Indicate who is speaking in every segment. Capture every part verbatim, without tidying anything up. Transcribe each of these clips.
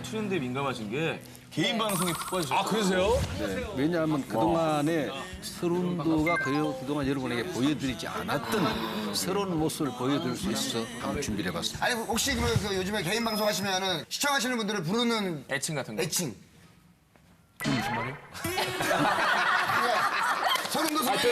Speaker 1: 트렌드에 민감하신 게 개인 방송에 푹 빠지셨어요.
Speaker 2: 아, 그러세요?
Speaker 3: 네, 왜냐하면 그동안에 서른도가 그동안 여러분에게 보여드리지 않았던 새로운 모습을 보여드릴 수 있어서 한번 준비를 해봤습니다.
Speaker 4: 아니 혹시 그러면 그 요즘에 개인 방송 하시면은 시청하시는 분들을 부르는
Speaker 1: 애칭 같은 거.
Speaker 4: 애칭.
Speaker 1: 무슨 말이요?
Speaker 4: 서른도 소리.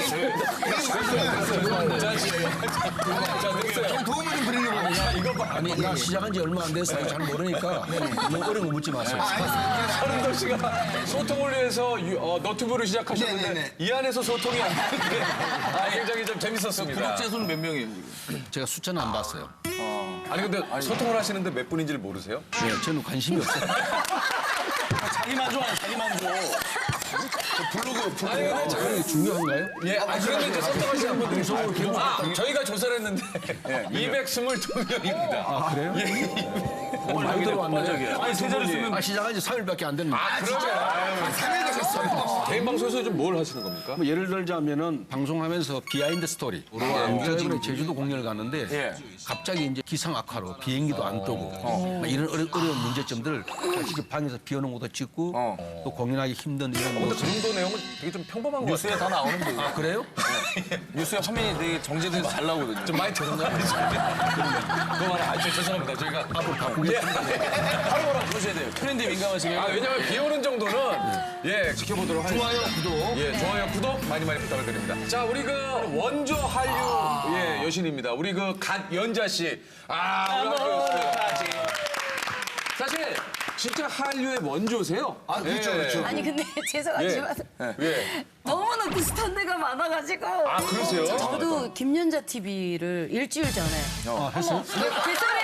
Speaker 4: 좀 도움을 좀 드리려고.
Speaker 3: 이거 봐. 아니, 나 시작한 지 얼마 안 돼서 잘 모르니까 너무 어려운 거 묻지 마세요.
Speaker 2: 서른도 씨가 소통을 위해서 유- 어, 너튜브를 시작하셨는데
Speaker 4: 네네네.
Speaker 2: 이 안에서 소통이 안 되는데 아, 굉장히 좀 재밌었습니다.
Speaker 1: 구독자 수는 몇 명이에요, 지금?
Speaker 3: 제가 숫자는 안 봤어요.
Speaker 2: 아니 근데 소통을 하시는데 몇 분인지를 모르세요?
Speaker 3: 네, 저는 관심이 없어요.
Speaker 1: 자기 만족하는 자기 만족. 블로그, 블로그.
Speaker 2: 아니 근데 저-
Speaker 3: 그게 중요한가요?
Speaker 2: 예, 아 그런데 이제 소통하시는 분들이 아, 저희가 조사를 했는데 이백이십이 명입니다.
Speaker 3: 아, 그래요?
Speaker 1: 어,
Speaker 3: 많이 들어왔네.
Speaker 1: 아니, 세 자리 쓰면
Speaker 3: 아, 시작한 지 삼 일밖에 안 됐는데.
Speaker 2: 아, 그러죠.
Speaker 4: 삼 일 되셨어요.
Speaker 2: 개인 방송에서 좀 뭘 하시는 겁니까?
Speaker 3: 뭐 예를 들자면은 방송하면서 비하인드 스토리. 제가 이번에 제주도 공연을 갔는데
Speaker 1: 예.
Speaker 3: 갑자기 이제 기상 악화로 비행기도 안 뜨고 막 이런 어려, 어려운 문제점들을 제가 직접 방에서 비오는 것도 찍고
Speaker 1: 어.
Speaker 3: 또 공연하기 힘든 이런
Speaker 2: 근데
Speaker 3: 모습.
Speaker 2: 그 정도 내용은 되게 좀 평범한 것
Speaker 1: 뉴스에
Speaker 2: 같아요.
Speaker 1: 다 나오는데.
Speaker 3: 아, 그래요?
Speaker 1: 뉴스에 화면이 되게 정제돼서 잘 나오거든요.
Speaker 2: 좀 많이 들었나요? 그거 말아. 아, 저 죄송합니다. 저희가
Speaker 3: 앞으로 바꾸겠습니다.
Speaker 1: 바로바로 부르셔야 돼요. 트렌드에 민감하시면.
Speaker 2: 아, 왜냐면 비 오는 정도는 예 지켜보도록 하겠습니다.
Speaker 4: 좋아요, 구독.
Speaker 2: 예, 좋아요, 구독 많이 많이 부탁을 드립니다. 자, 우리 그 원조 한류 예 여신입니다. 우리 그 갓연자 씨. 아, 우리 한류 사실 진짜 한류의 원조세요.
Speaker 4: 아, 그렇죠,
Speaker 2: 예.
Speaker 4: 그렇죠.
Speaker 5: 아니 근데 죄송하지만
Speaker 2: 예.
Speaker 5: 너무나 비슷한 데가 많아가지고.
Speaker 2: 아, 그러세요?
Speaker 5: 저도 김연자 티비를 일주일 전에
Speaker 3: 아, 했어요?
Speaker 5: 개설에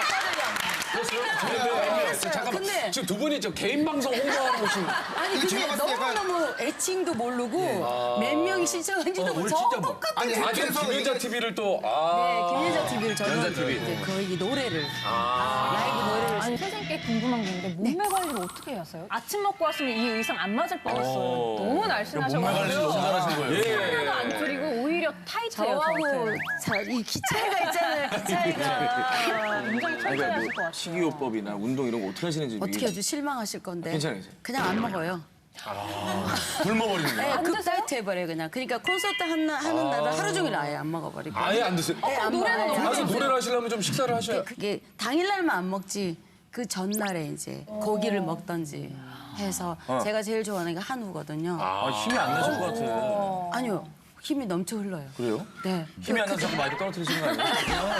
Speaker 2: 근데,
Speaker 5: 했어요.
Speaker 2: 잠깐만.
Speaker 5: 근데
Speaker 2: 지금 두 분이 저 개인 방송 홍보하는 곳이
Speaker 5: 아니
Speaker 4: 이거 제가
Speaker 5: 근데
Speaker 4: 봤을 때 약간-
Speaker 5: 너무너무 애칭도 모르고 몇 명이 신청한지도 모르고
Speaker 3: 우리
Speaker 5: 저
Speaker 3: 진짜 뭐-
Speaker 5: 똑같은
Speaker 4: 아니,
Speaker 2: 아, 지금
Speaker 4: 그래서
Speaker 2: 김연자
Speaker 4: 이게-
Speaker 2: 티비를 또
Speaker 5: 네,
Speaker 2: 아.
Speaker 5: 김연자 티비를 저는
Speaker 2: 연자 티비.
Speaker 5: 이제 거의 노래를 라이브 노래를
Speaker 6: 아니 선생님께 궁금한 게 있는데 몸매 관리를 어떻게 하세요? 아침 먹고 왔으면 이 의상 안 맞을 뻔했어요. 너무 날씬하셔가지고.
Speaker 1: 몸매 관리 너무 잘하신 거예요.
Speaker 2: 예.
Speaker 6: 하나도 안 줄이고 오히려 타이트해요.
Speaker 5: 저하고
Speaker 6: 저한테.
Speaker 5: 자, 이 키 차이가 있잖아요. 키 차이가
Speaker 6: 굉장히 철저하실 것 같아요.
Speaker 1: 식이요법이나 운동 이런 거 어떻게 하시는지.
Speaker 5: 어떻게 아주 실망하실 건데.
Speaker 1: 괜찮아요.
Speaker 5: 그냥 안 먹어요.
Speaker 1: 굶어버리는 거예요.
Speaker 5: 네, 급 다이어트 해버려요 그냥. 그러니까 콘서트 하는, 하는 날은 하루 종일 아예 안 먹어버리고.
Speaker 2: 아예 안 드세요?
Speaker 5: 네, 안
Speaker 6: 노래는
Speaker 5: 먹어요.
Speaker 6: 너무
Speaker 2: 아, 그 노래를 하시려면 좀 식사를 하셔야.
Speaker 5: 그게 당일날만 안 먹지 그 전날에 이제 고기를 먹던지 해서 제가 제일 좋아하는 게 한우거든요.
Speaker 1: 아, 힘이 안 나실 것 같아.
Speaker 5: 아니요. 힘이 넘쳐 흘러요.
Speaker 1: 그래요?
Speaker 5: 네.
Speaker 1: 힘이 안 나서 자꾸 마이크 떨어뜨리시는 거 아니에요?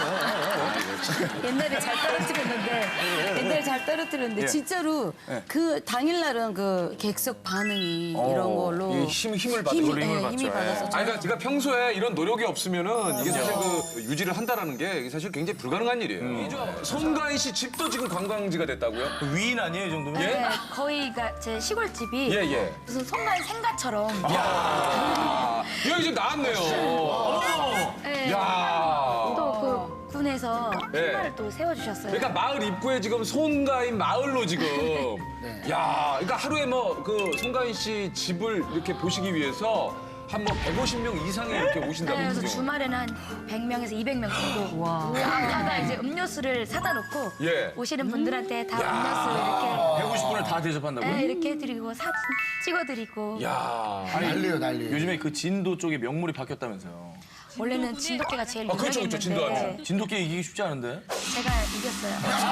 Speaker 5: 옛날에 잘 떨어뜨렸는데 옛날에 잘 떨어뜨렸는데
Speaker 1: 예.
Speaker 5: 진짜로 그 당일날은 그 객석 반응이 이런 걸로
Speaker 2: 이 힘, 힘을 받은
Speaker 5: 힘이,
Speaker 2: 걸로
Speaker 1: 힘을
Speaker 5: 예,
Speaker 1: 받죠.
Speaker 5: 힘이 받아서
Speaker 2: 아니, 그러니까 제가 평소에 이런 노력이 없으면은 이게 사실 그 유지를 한다라는 게 이게 사실 굉장히 불가능한 일이에요. 송가인 씨 집도 지금 관광지가 됐다고요?
Speaker 1: 위인 아니에요, 이 정도면?
Speaker 2: 예?
Speaker 7: 네, 거의가 제 시골집이
Speaker 2: 예, 예.
Speaker 7: 무슨 성가인 생가처럼
Speaker 2: 야 여기 지금 나왔네요.
Speaker 7: 네,
Speaker 2: 야
Speaker 7: 또 그 군에서
Speaker 2: 네.
Speaker 7: 신발을 또 세워주셨어요.
Speaker 2: 그러니까 마을 입구에 지금 송가인 마을로 지금. 야 그러니까 하루에 뭐 그 송가인 씨 집을 이렇게 보시기 위해서 한 뭐 백오십 명 이상이 이렇게 오신다고
Speaker 7: 네, 그래서
Speaker 2: 그러죠?
Speaker 7: 주말에는 한 백 명에서 이백 명 정도 아빠가 이제 음료수를 사다 놓고
Speaker 2: 예.
Speaker 7: 오시는 분들한테 다 음료수 이렇게
Speaker 1: 백오십 분을 다 대접한다고요?
Speaker 7: 네, 이렇게 해드리고 사진 찍어드리고
Speaker 2: 야
Speaker 4: 난리요, 난리.
Speaker 1: 요즘에 그 진도 쪽에 명물이 바뀌었다면서요.
Speaker 7: 원래는 진돗개가 제일
Speaker 2: 아, 그렇죠, 그렇죠, 진돗개.
Speaker 7: 유명했는데
Speaker 1: 진돗개 이기기 쉽지 않은데?
Speaker 7: 제가 이겼어요.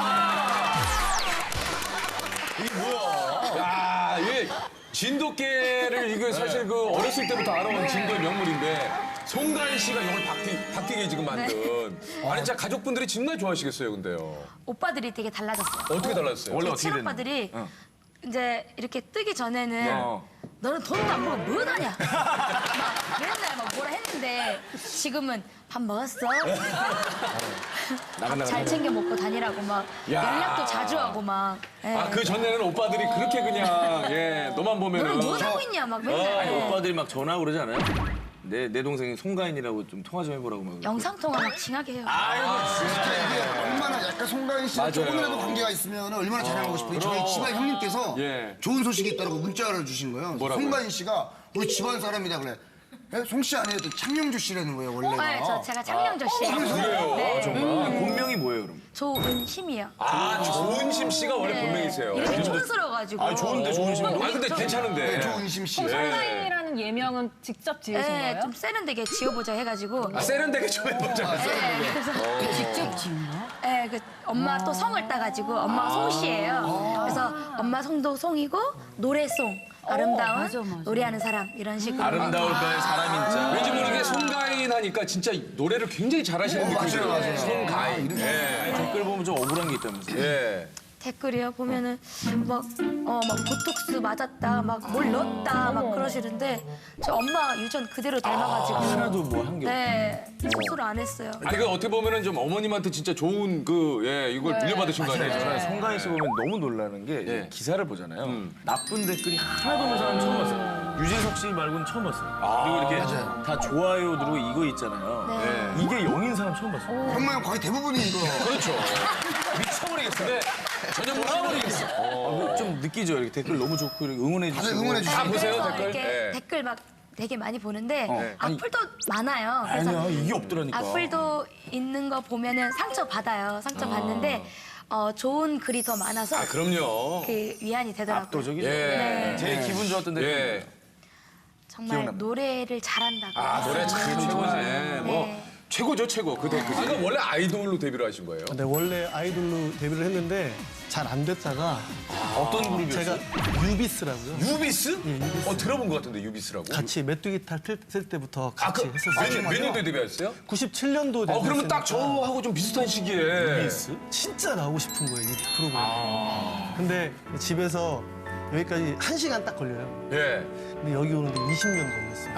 Speaker 2: 야, 이 진돗개를 이거 사실 그 어렸을 때부터 알아온 진도의 명물인데 송가인 씨가 이걸 바뀌, 바뀌게 지금 만든. 아니 진짜 가족분들이 정말 좋아하시겠어요, 근데요.
Speaker 7: 오빠들이 되게 달라졌어요.
Speaker 2: 어떻게 달라졌어요?
Speaker 1: 원래
Speaker 7: 제
Speaker 1: 어떻게 됐는데?
Speaker 7: 친오빠들이
Speaker 1: 어.
Speaker 7: 이제 이렇게 뜨기 전에는
Speaker 1: 어.
Speaker 7: 너는 돈도 안 벌고 뭐 하냐 막 맨날 막 뭐라 했는데 지금은 밥 먹었어? 잘 챙겨 먹고 다니라고 막
Speaker 2: 야.
Speaker 7: 연락도 자주 하고 막 예.
Speaker 2: 아, 그 전에는 오빠들이 그렇게 그냥 예, 너만 보면은
Speaker 7: 너는 뭐 하고 있냐 막 맨날
Speaker 1: 아니,
Speaker 7: 예.
Speaker 1: 오빠들이 막 전화하고 그러지 않아요? 내, 내 동생이 송가인이라고 좀 통화 좀 해보라고 막.
Speaker 7: 영상통화 막 징하게 해요.
Speaker 4: 이게 얼마나 약간 송가인 씨랑 조금이라도 관계가 있으면 얼마나 자랑하고 싶어요. 저희 집안 형님께서
Speaker 2: 예.
Speaker 4: 좋은 소식이 있다고 문자를 주신 거예요.
Speaker 2: 뭐라고요?
Speaker 4: 송가인 씨가 우리 집안 사람이다 그래. 송 씨 아니에요? 또 창명주 씨라는 거예요, 원래가.
Speaker 7: 네, 저 제가 창녕조 씨.
Speaker 2: 그래요?
Speaker 7: 네.
Speaker 1: 본명이 뭐예요, 그럼?
Speaker 7: 조은심이요.
Speaker 2: 아, 조은심 씨가 원래 본명이세요.
Speaker 7: 이름이 촌스러워가지고.
Speaker 1: 아, 좋은데, 좋은 심.
Speaker 2: 아, 근데 괜찮은데.
Speaker 4: 네, 조은심 씨.
Speaker 6: 송가인이라는 예명은 직접 지으신
Speaker 7: 네,
Speaker 6: 거예요?
Speaker 7: 좀 세련되게 지어보자 해가지고.
Speaker 2: 아, 세련되게 좀 해보자.
Speaker 7: 네, 그래서
Speaker 5: 직접 지은 거야?
Speaker 7: 네, 그 엄마 또 성을 따가지고 엄마가 송씨예요. 그래서 엄마 성도 송이고 노래송. 아름다운
Speaker 5: 맞아, 맞아.
Speaker 7: 노래하는 사람 이런 식으로.
Speaker 1: 아름다울까의 사람인자.
Speaker 2: 왠지 모르게 송가인 하니까 진짜 노래를 굉장히 잘하시는 느낌이 들어요.
Speaker 4: 맞아요.
Speaker 2: 송가인. 예.
Speaker 1: 댓글 보면 좀 억울한 게 있다면서요?
Speaker 2: 예.
Speaker 7: 댓글이요 보면은 막 어 막 보톡스 맞았다 막 뭘 넣었다 막 그러시는데 저 엄마 유전 그대로 닮아가지고
Speaker 1: 하나도 뭐 한 게.
Speaker 7: 네 수술 안 했어요.
Speaker 2: 아니, 그 어떻게 보면은 좀 어머님한테 진짜 좋은 그, 예, 이걸 물려받으신 거 아니에요?
Speaker 1: 저는 송가인 씨 보면 너무 놀라는 게
Speaker 2: 예.
Speaker 1: 기사를 보잖아요.
Speaker 2: 음.
Speaker 1: 나쁜 댓글이 하나도 없는 사람 처음 봤어요. 유재석 씨 말고는 처음 봤어요. 그리고 이렇게 다 좋아요 누르고 이거 있잖아요.
Speaker 2: 네.
Speaker 1: 이게 영인 사람 처음 봤어요.
Speaker 4: 형만 거의 대부분이 이거.
Speaker 2: 그렇죠.
Speaker 1: 미쳐버리겠어요.
Speaker 2: 네. 전혀 몰라버리겠어.
Speaker 1: 어, 좀 느끼죠. 이렇게 댓글 너무 좋고 이렇게 응원해
Speaker 4: 다들
Speaker 1: 주시고.
Speaker 4: 응원해 주시고.
Speaker 2: 다 보세요,
Speaker 7: 그래서
Speaker 2: 댓글?
Speaker 7: 이렇게
Speaker 2: 네.
Speaker 7: 댓글 막 되게 많이 보는데
Speaker 1: 어. 아니,
Speaker 7: 악플도 많아요. 그래서
Speaker 1: 아니야 이게 없더라니까.
Speaker 7: 악플도 있는 거 보면은 상처 받아요. 상처 받는데 어, 좋은 글이 더 많아서
Speaker 2: 아, 그럼요.
Speaker 7: 그 위안이 되더라고요.
Speaker 1: 압도적이죠.
Speaker 2: 예.
Speaker 7: 네.
Speaker 1: 제일 기분 좋았던 댓글.
Speaker 2: 예.
Speaker 7: 정말
Speaker 1: 기억납니다.
Speaker 7: 노래를 잘한다고.
Speaker 2: 아, 노래 참 최고지. 뭐,
Speaker 7: 네.
Speaker 2: 최고죠, 최고. 그 댓글이. 아, 그럼 원래 아이돌로 데뷔를 하신 거예요?
Speaker 8: 네, 원래 아이돌로 데뷔를 했는데 잘 안 됐다가
Speaker 1: 어떤 그룹이었어요?
Speaker 8: 제가 유비스라고요.
Speaker 2: 유비스? 어, 들어본 것 같은데, 유비스라고.
Speaker 8: 같이 메뚜기 탈 쓸 때부터
Speaker 2: 아,
Speaker 8: 같이
Speaker 2: 그, 몇,
Speaker 8: 했었어요.
Speaker 2: 년- 몇 년도에 데뷔하셨어요?
Speaker 8: 구십칠 년도
Speaker 2: 어, 그러면 딱
Speaker 8: 데뷔했으니까
Speaker 2: 저하고 좀 비슷한 시기에.
Speaker 8: 진짜 나오고 싶은 거예요, 이 프로그램.
Speaker 2: 아.
Speaker 8: 근데 집에서 여기까지 한 시간 딱 걸려요.
Speaker 2: 예.
Speaker 8: 근데 여기 오는데 이십 년 걸렸어요.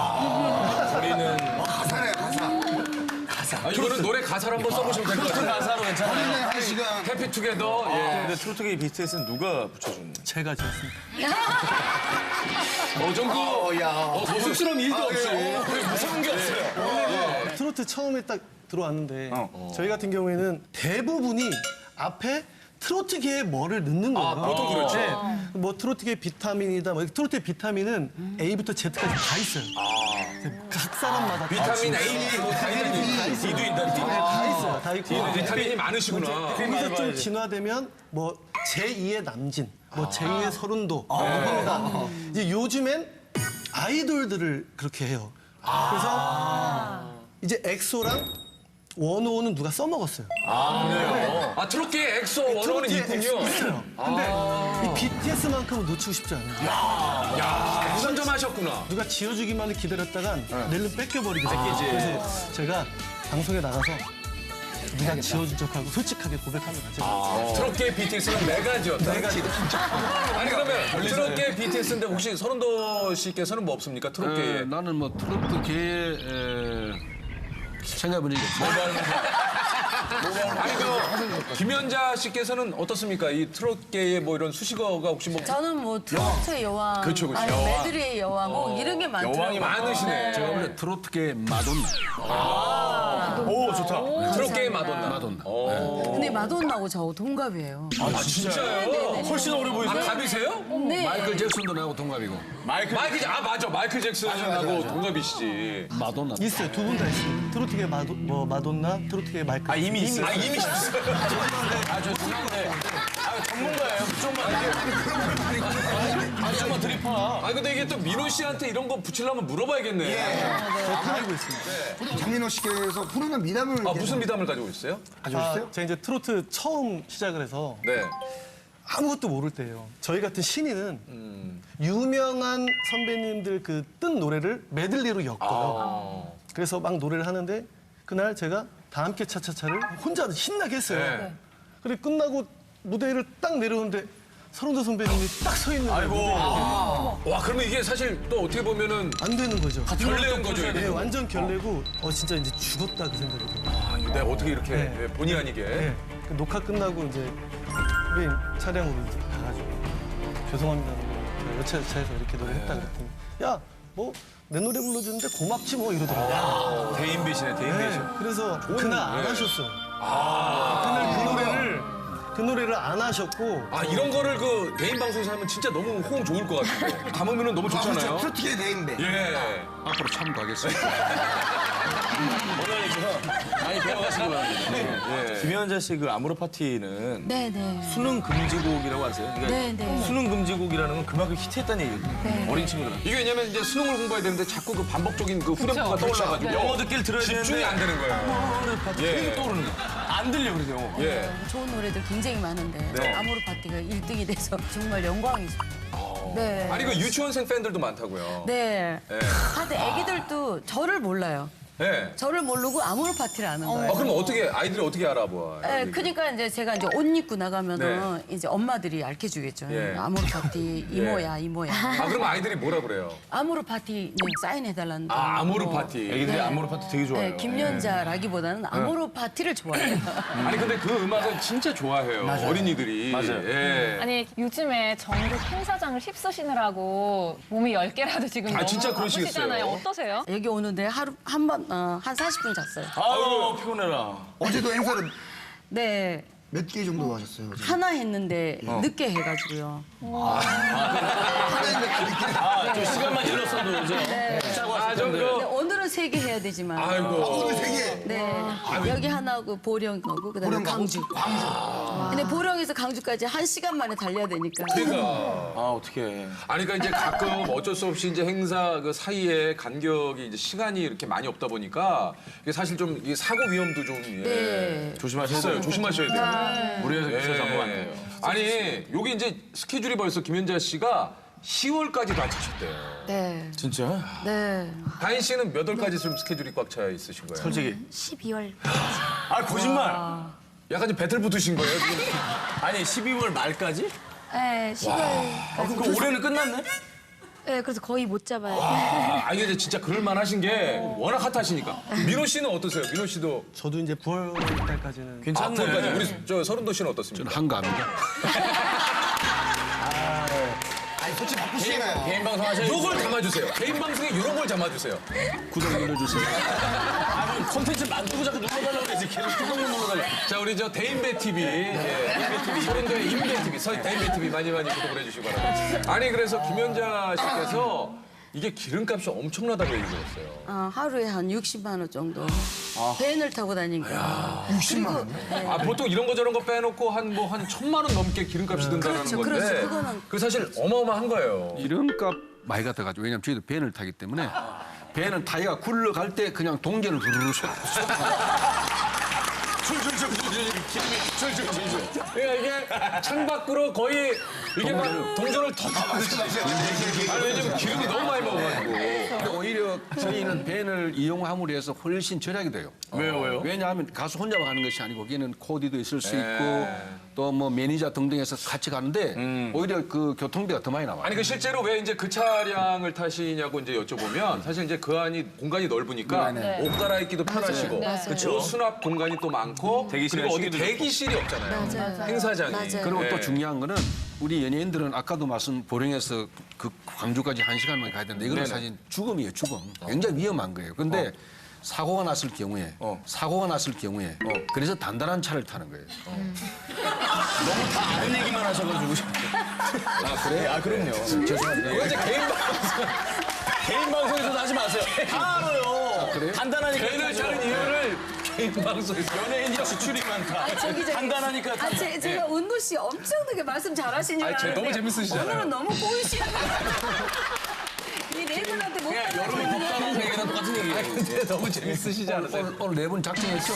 Speaker 2: 우리는.
Speaker 4: 가사네, 가사.
Speaker 2: 아, 이거는 노래 가사를 한번 써보시면 될 것 같아요.
Speaker 1: 가사로 괜찮아요.
Speaker 4: 네, 한 시간.
Speaker 2: 해피 투게더. 예.
Speaker 1: 근데 트로트계의 비트에스는 누가 붙여준 거예요?
Speaker 8: 제가 지었습니다.
Speaker 2: 어, 정도.
Speaker 4: 어, 야.
Speaker 2: 어, 더 쑥스러운 일도 없이. 그래, 무서운 게 없어요.
Speaker 8: 트로트 처음에 딱 들어왔는데
Speaker 1: 어.
Speaker 8: 저희 같은 경우에는 대부분이 앞에 트로트계에 뭐를 넣는 거예요.
Speaker 2: 아, 보통 그렇죠.
Speaker 8: 네. 뭐 트로트계 비타민이다. 뭐 트로트의 비타민은 A부터 Z까지 다 있어요. 각 사람마다
Speaker 2: 비타민 A, 뭐, 다 있는 D도 있다. D.
Speaker 8: 다 있어요. 다 있고.
Speaker 2: 비타민이 많으시구나.
Speaker 8: 거기서 좀 진화되면 뭐 제이의 남진, 뭐 제이의 서른도 합니다. 이제 요즘엔 아이돌들을 그렇게 해요. 그래서 이제 엑소랑 원오는 누가 써먹었어요.
Speaker 2: 아, 트로트계 엑소 원어는
Speaker 8: 트로트에
Speaker 2: 있군요.
Speaker 8: 엑소 있어요. 근데 이 비티에스만큼은 놓치고 싶지 않아요.
Speaker 2: 야, 선점하셨구나.
Speaker 8: 누가 지어주기만을 기다렸다간 내일은 뺏겨버리거든요. 그래서 제가 방송에 나가서 누가 지어준 척하고 솔직하게 고백하는 거죠.
Speaker 2: 아, 트로트계 비티에스는 내가 지었다. 내가 지었다. 아니, 그러면 트로트계 비티에스인데 혹시 서른도 씨께서는 뭐 없습니까? 트로트계에.
Speaker 3: 에, 나는 뭐 트로트계에 에, 생각해보니까
Speaker 2: 아니, 그, 김연자 씨께서는 어떻습니까? 이 트로트계의 뭐 이런 수식어가 혹시 뭐.
Speaker 5: 저는 뭐 트로트의 여왕,
Speaker 2: 그렇죠, 그렇죠.
Speaker 5: 아니
Speaker 2: 여왕.
Speaker 5: 메드리의 여왕, 뭐 이런 게 많더라고요.
Speaker 2: 여왕이 많으시네.
Speaker 3: 제가 원래 트로트계 마돈나.
Speaker 1: 오 좋다.
Speaker 2: 트로트계의 마돈나.
Speaker 3: 마돈나.
Speaker 5: 근데 마돈나하고 저 동갑이에요.
Speaker 2: 아, 진짜요?
Speaker 1: 훨씬 어려
Speaker 2: 아,
Speaker 1: 보이세요?
Speaker 2: 갑이세요?
Speaker 5: 네.
Speaker 3: 마이클 잭슨도 나하고 동갑이고.
Speaker 1: 마이클.
Speaker 2: 마이클, 잭- 아, 맞아. 마이클 잭슨하고 동갑이시지.
Speaker 3: 마돈나.
Speaker 8: 있어요. 두 분 다 있어요. 트로트계 마도, 뭐 마돈나, 트로트계 마이클.
Speaker 1: 아 이미 있어요.
Speaker 2: 아, 이미 있어요.
Speaker 1: 아저 죄송한데. 아 전문가예요. 좀만. 아 좀만 드리파.
Speaker 2: 아, 근데 이게 또 민호 씨한테 이런 거 붙이려면 물어봐야겠네.
Speaker 8: 다 알고 있습니다.
Speaker 4: 장민호 씨께서 부르는 미담을
Speaker 2: 아, 무슨 미담을 가지고 있어요?
Speaker 4: 가지고 있어요?
Speaker 8: 아, 제가 이제 트로트 처음 시작을 해서
Speaker 2: 네.
Speaker 8: 아무것도 모를 때예요. 저희 같은 신인은 유명한 선배님들 그 뜬 노래를 메들리로 엮어요. 그래서 막 노래를 하는데 그날 제가 다 함께 차차차를 혼자 신나게 했어요.
Speaker 2: 네.
Speaker 8: 근데 끝나고 무대를 딱 내려오는데 서른도 선배님이 딱 서 있는 거예요. 무대에.
Speaker 2: 와, 그러면 이게 사실 또 어떻게 보면은
Speaker 8: 안 되는 거죠.
Speaker 2: 결례인 거죠, 이게.
Speaker 8: 네, 완전 결례고 어 진짜 이제 죽었다 그 생각이 들어요.
Speaker 2: 아, 이거 내가 어떻게 이렇게
Speaker 8: 네.
Speaker 2: 예, 본의 아니게.
Speaker 8: 네. 그 녹화 끝나고 이제 선배님 차량으로 이제 가가지고 죄송합니다. 제가 여차여차해서 이렇게 노래했다 그랬더니 야 뭐 내 노래 불러주는데 고맙지 뭐 이러더라고요.
Speaker 1: 대인 배신에 대인
Speaker 8: 네.
Speaker 1: 배신.
Speaker 8: 그래서 그날 안 하셨어요. 그날 그 노래를 그 노래를 안 하셨고
Speaker 2: 아 이런 거를 그 개인 방송에서 하면 진짜 너무 호응 좋을 것 같은데. 담으면 너무 좋잖아요.
Speaker 4: 프로티게 대인배.
Speaker 2: 예.
Speaker 3: 앞으로 참고하겠습니다.
Speaker 1: 오늘 많이 배워가시기 바랍니다.
Speaker 2: 예.
Speaker 1: 김연자 씨 그 아모르 파티는
Speaker 5: 네네.
Speaker 1: 수능 금지곡이라고 아세요? 그러니까
Speaker 5: 네네.
Speaker 1: 수능 금지곡이라는 건 그만큼 히트했다는 얘기거든요.
Speaker 5: 네.
Speaker 1: 어린 친구들은.
Speaker 2: 이게 왜냐면 이제 수능을 공부해야 되는데 자꾸 그 반복적인 그 후렴구가 떠올라가지고
Speaker 1: 영어 듣기를 들어야 되는데
Speaker 2: 집중이 안 되는 거예요.
Speaker 1: 아모르 파티
Speaker 2: 예.
Speaker 1: 계속 떠오르는 거야. 안 들려 그래서.
Speaker 2: 예.
Speaker 5: 좋은 노래들 굉장히 많은데
Speaker 2: 네.
Speaker 5: 아모르 파티가 일 등이 돼서 정말 영광이죠. 네.
Speaker 2: 아니 그 유치원생 팬들도 많다고요.
Speaker 5: 네.
Speaker 2: 예.
Speaker 5: 하여튼 애기들도 저를 몰라요.
Speaker 2: 예.
Speaker 5: 저를 모르고 아모르 파티를 아는 거예요.
Speaker 2: 아 그럼 어떻게 아이들이 어떻게 알아보아요?
Speaker 5: 네, 그러니까 이제 제가 이제 옷 입고 나가면은 이제 엄마들이 알려주겠죠.
Speaker 2: 예.
Speaker 5: 아모르 파티 이모야 이모야.
Speaker 2: 아 그럼 아이들이 뭐라 그래요?
Speaker 5: 아모르 파티 네, 사인해달라는.
Speaker 2: 아 아모르
Speaker 5: 뭐,
Speaker 2: 파티.
Speaker 1: 애기들이
Speaker 5: 네.
Speaker 1: 아모르 파티 되게 좋아해요.
Speaker 5: 네, 김연자라기보다는 아모르 파티를 좋아해요.
Speaker 2: 아니 근데 그 음악은 진짜 좋아해요. 어린이들이.
Speaker 1: 맞아요.
Speaker 2: 예.
Speaker 6: 아니 요즘에 전국 행사장을 휩쓰시느라고 몸이 열 개라도 지금
Speaker 2: 아,
Speaker 6: 너무
Speaker 2: 진짜 그러시겠어요.
Speaker 6: 바쁘시잖아요. 어떠세요?
Speaker 5: 여기 오는데 하루 한 번 어, 한 사십 분 잤어요.
Speaker 1: 아유 피곤해라.
Speaker 4: 어제도 행사를
Speaker 5: 네.
Speaker 4: 몇 개 정도 하셨어요? 어제?
Speaker 5: 하나 했는데 늦게 해가지고요.
Speaker 4: 하나 했는데 늦게.
Speaker 1: 아, 좀 시간만 일렀어도 이제
Speaker 5: 네.
Speaker 1: 짜고
Speaker 2: 아,
Speaker 1: 왔을
Speaker 2: 좀
Speaker 1: 텐데.
Speaker 2: 그-
Speaker 5: 근데 오늘은 세 개 해야 되지만.
Speaker 2: 아이고.
Speaker 4: 오늘 세 개.
Speaker 5: 네. 여기 하나고 보령 거고 그다음에
Speaker 4: 보령 가고?
Speaker 5: 강주.
Speaker 4: 광주.
Speaker 5: 근데 보령에서 강주까지 한 시간 만에 달려야 되니까.
Speaker 2: 그러니까.
Speaker 1: 아 어떡해.
Speaker 2: 아니 그러니까 이제 가끔 어쩔 수 없이 이제 행사 그 사이에 간격이 이제 시간이 이렇게 많이 없다 보니까 이게 사실 좀 이게 사고 위험도 좀 예.
Speaker 5: 네.
Speaker 1: 조심하셔야
Speaker 2: 있어요.
Speaker 1: 돼요.
Speaker 2: 조심하셔야 돼요.
Speaker 1: 무리해서
Speaker 2: 예.
Speaker 1: 기차 잡으면 안 돼요.
Speaker 2: 아니 여기 이제 스케줄이 벌써 김연자 씨가 시월까지도 안 차셨대요.
Speaker 5: 네.
Speaker 1: 진짜?
Speaker 5: 네.
Speaker 2: 다인 씨는 몇 월까지 지금 스케줄이 꽉 차 있으신 거예요?
Speaker 1: 솔직히.
Speaker 7: 십이월.
Speaker 1: 아 거짓말.
Speaker 2: 약간 좀 배틀 붙으신 거예요? 지금?
Speaker 1: 아니 십이월 말까지?
Speaker 7: 네, 십이월.
Speaker 1: 아 그럼 올해는 끝났네?
Speaker 7: 네, 그래서 거의 못 잡아요.
Speaker 2: 아, 아니 근데 진짜 그럴 만하신 게 워낙 핫하시니까. 민호 씨는 어떠세요? 민호 씨도
Speaker 8: 저도 이제 구월 달까지는
Speaker 1: 괜찮네.
Speaker 2: 앞으로까지 우리 저 서른도 씨는 어떻습니까?
Speaker 3: 저는 한가합니다.
Speaker 4: 아니 솔직히 바쁘시잖아요.
Speaker 1: 개인 방송 하셔야지.
Speaker 2: 요걸 담아주세요. 개인 방송에 이런 걸 담아주세요.
Speaker 3: 구독 눌러주세요.
Speaker 1: 아 그럼 콘텐츠 만들고 자꾸 눌러달라고 그러지. 계속 구독만 눌러달라.
Speaker 2: 자 우리 저 대인배 티비, 예, 인배 티비, 서른도의 인배 티비, 서 대인배 티비 많이 많이 구독을 해주시기 바랍니다. 아니 그래서 김연자 씨께서 이게 기름값이 엄청나다고 얘기 들었어요.
Speaker 5: 어, 하루에 한 육십만 원 정도. 밴을 타고 다니니까.
Speaker 4: 육십만 원.
Speaker 2: 아 보통 이런 거 저런 거 빼놓고 한 뭐 한 천만 원 넘게 기름값이 든다는
Speaker 5: 그렇죠,
Speaker 2: 건데,
Speaker 5: 그렇죠. 그거는-
Speaker 2: 그 사실 어마어마한 거예요.
Speaker 3: 이름값 많이 갖다가지고 왜냐면 저희도 밴을 타기 때문에 밴은 타이가 굴러갈 때 그냥 동전을 두루루 쏟.
Speaker 2: 그러니까 이게 창밖으로 거의 이게 막 동전을 더 담아주시죠. 아니 왜냐면 기름이 너무 많이 먹어가지고.
Speaker 3: 근데 오히려 저희는 밴을 이용함으로 해서 훨씬 절약이 돼요.
Speaker 1: 왜요 왜요?
Speaker 3: 왜냐하면 가수 혼자만 가는 것이 아니고 거기는 코디도 있을 수 있고 또 뭐 매니저 등등해서 같이 가는데 오히려 그 교통비가 더 많이 나와요.
Speaker 2: 아니 그 실제로 왜 이제 그 차량을 타시냐고 이제 여쭤보면 사실 이제 그 안이 공간이 넓으니까 옷 갈아입기도 편하시고
Speaker 5: 맞아요.
Speaker 2: 옷 수납 공간이 또 많고
Speaker 1: 대기실이나
Speaker 2: 그리고 어디
Speaker 1: 쉬기도
Speaker 2: 대기실이 없잖아요.
Speaker 5: 맞아요.
Speaker 2: 행사장이.
Speaker 5: 맞아요.
Speaker 3: 그리고
Speaker 2: 네.
Speaker 3: 또 중요한 거는 우리 연예인들은 아까도 말씀 보령에서 그 광주까지 한 시간만 가야 되는데 이거는
Speaker 2: 네네.
Speaker 3: 사실 죽음이에요, 죽음. 굉장히 위험한 거예요. 근데 사고가 났을 경우에
Speaker 2: 어.
Speaker 3: 사고가 났을 경우에 그래서 단단한 차를 타는 거예요.
Speaker 1: 너무 다 아는 얘기만 하셔가지고. 아 그래? 아 그럼요.
Speaker 3: 죄송합니다.
Speaker 2: 이거 이제 개인 방송.
Speaker 1: 개인 방송에서도 하지 마세요. 다 알아요.
Speaker 3: 그래요?
Speaker 1: 간단하니까.
Speaker 2: 개인을 차는 이유를 개인 방송에서.
Speaker 1: 연예인이 지출이 많다.
Speaker 5: 아, 저기, 저기.
Speaker 1: 간단하니까.
Speaker 5: 아, 제, 제가 은도 씨 엄청나게 말씀 잘하시는 줄
Speaker 2: 아니, 제-
Speaker 5: 알았는데
Speaker 2: 너무 재밌으시잖아요.
Speaker 5: 오늘은 너무 꼬이시는 이네 분한테 못
Speaker 1: 그냥 여름에 덥다는 얘기랑 똑같은 얘기예요.
Speaker 2: 근데 너무 재밌으시지 않으세요?
Speaker 3: 오늘, 오늘 네 분 작정했죠?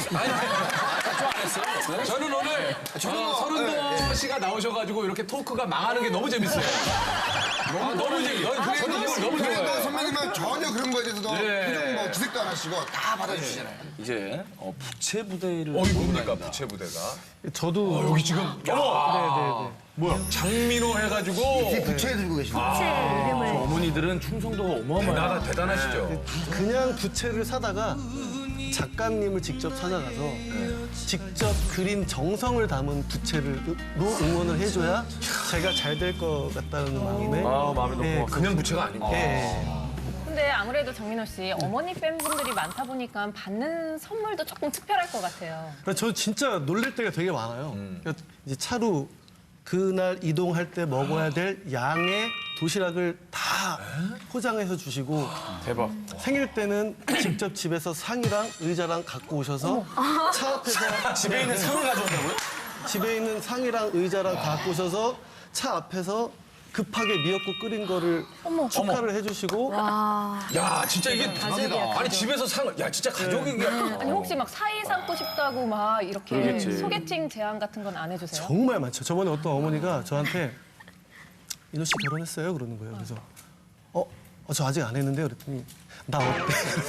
Speaker 2: 저는 오늘 어, 서른도 씨가 나오셔가지고 이렇게 토크가 망하는 게 너무 재밌어요. 아, 너무 재밌. 저는 그게 이걸 너무
Speaker 4: 그래도
Speaker 2: 좋아해요.
Speaker 4: 선배님은 전혀 그런 거에 대해서도
Speaker 2: 예.
Speaker 4: 표정 뭐 기색도 안 하시고 다 받아주시잖아요.
Speaker 1: 이제 어, 부채 부대를.
Speaker 2: 어, 이거 뭡니까 부채 부대가?
Speaker 8: 저도
Speaker 2: 여기 지금 어머. 뭐야? 장민호 해가지고
Speaker 4: 이 부채 들고 계시는
Speaker 7: 제 이름을.
Speaker 1: 어머니들은 충성도가 어마어마해요.
Speaker 2: 대단하, 대단하시죠.
Speaker 8: 그냥 부채를 사다가 작가님을 직접 찾아가서 직접 그린 정성을 담은 부채로 응원을 해줘야 제가 잘 될 것 같다는 마음에
Speaker 1: 아, 마음이 너무
Speaker 8: 예,
Speaker 1: 고맙습니다.
Speaker 2: 그냥 부채가 아닙니다.
Speaker 8: 예.
Speaker 6: 근데 아무래도 정민호 씨 어머니 팬분들이 많다 보니까 받는 선물도 조금 특별할 것 같아요.
Speaker 8: 저 진짜 놀랄 때가 되게 많아요. 그러니까 이제 차로 그날 이동할 때 먹어야 될 양의 도시락을 다 포장해서 주시고
Speaker 2: 대박.
Speaker 8: 생일 때는 직접 집에서 상이랑 의자랑 갖고 오셔서 차 앞에서
Speaker 1: 집에 있는 상을 가져온다고요?
Speaker 8: 집에 있는 상이랑 의자랑 다 갖고 오셔서 차 앞에서 급하게 미역국 끓인 거를 축하를 해주시고
Speaker 2: 야, 진짜 이게
Speaker 6: 가족이야,
Speaker 2: 아니 집에서 상을 야 진짜 가족이
Speaker 6: 아니 혹시 막 사이 삼고 싶다고 막 이렇게
Speaker 1: 그러겠지.
Speaker 6: 소개팅 제안 같은 건 안 해주세요?
Speaker 8: 정말 많죠. 저번에 어떤 어머니가 저한테 인호 씨 결혼했어요? 그러는 거예요. 그래서 어, 어, 저 아직 안 했는데요. 그랬더니 나 어때?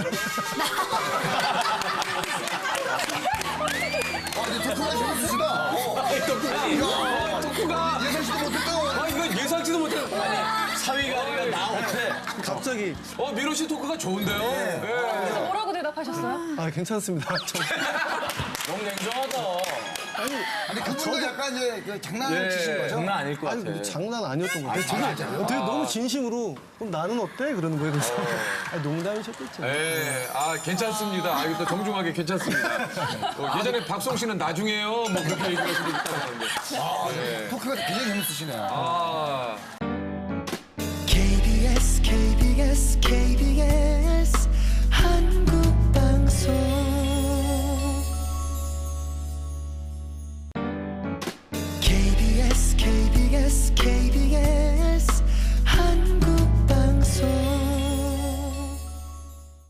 Speaker 4: 아, 근데 토크가 재밌으시다. 어.
Speaker 2: 토크가
Speaker 4: 예상치도 못했다.
Speaker 2: 아 이거 예상치도 못해. 아니
Speaker 1: 사위가 아니라 나 어때?
Speaker 8: 갑자기
Speaker 2: 어 민호 씨 토크가 좋은데요. 예.
Speaker 6: 그래서 뭐라고 대답하셨어요?
Speaker 8: 아 괜찮습니다. 저-
Speaker 1: 너무 냉정하다.
Speaker 4: 아니, 그분도 약간 이제 그 장난을 치신 거죠?
Speaker 1: 장난 아닐 것
Speaker 8: 아니
Speaker 1: 같아.
Speaker 8: 뭐 장난 아니었던 것 같아요. 되게, 되게 너무 진심으로 그럼 나는 어때? 그러는 거예요. 그래서 아, 농담이셨겠죠.
Speaker 2: 예, 아 괜찮습니다. 아 이거 또 정중하게 괜찮습니다. 어, 예전에 박송 씨는 나중에요, 뭐 그렇게 얘기할 수도 있다고 하는데.
Speaker 4: 토크가 굉장히 재밌으시네요.
Speaker 2: 아